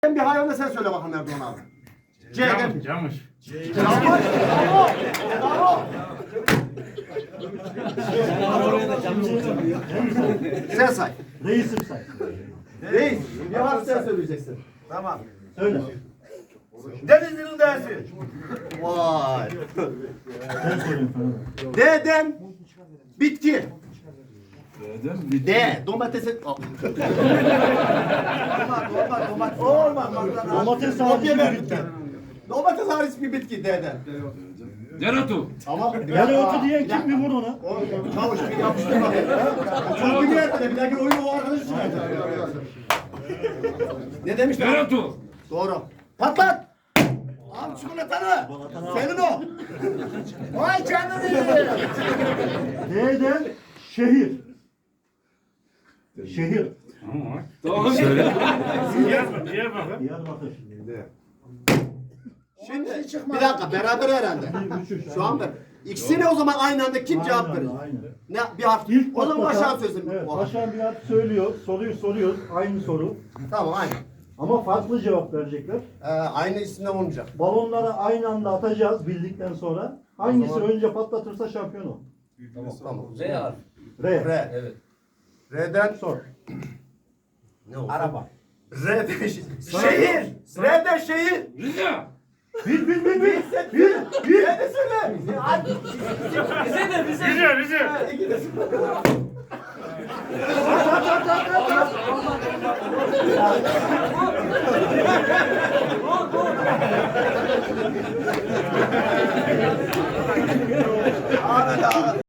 Bir hayvanı sen söyle bakalım Erdoğan abi. C'den. Camış. Camış. Bravo. Bravo. Sen say. Reisim say. Reis. Bir harf sen söyleyeceksin. Tamam. Söyle. Denizli'nin dersi. Vay. Sen söylüyorsun falan. D'den bitki. Dedim. D. Domatesi. Olmaz. Domates Kopya hariç ver. bir bitki. Domates hariç bir bitki D'den. Deretu. Ama Dereotu diyen kim bir vur ona? Çavuş bir yapıştır bakayım. Çok biliyor bir dahaki oyunu o arkadaş çıkacak. Ne demişler? Deretu. Doğru. Patlat. Al çikolatanı. Senin o. Vay canına. D'den şehir. Şehir. Tamam. Söyle. Diyarbakır. Şimdi bir dakika beraber herhalde. Şu anda ikisine o zaman aynı anda kim cevap verir? Aynen. Ne bir harf. İlk O zaman patlatan- Başak'a sözüm. Evet, O harf. Başak'ın bir harf söylüyor. Soruyu soruyoruz. Aynı soru. Tamam aynı. Ama farklı cevap verecekler. Aynı isimden olmayacak. Balonları aynı anda atacağız bildikten sonra. Hangisi önce patlatırsa şampiyon o. Tamam. R harfi. R. R. Evet. R'den Sor. ne oldu? Araba. R'den şehir. R'den şehir. Rize. Bil. R'den söyle. Hadi. Rize. Ahmet abi.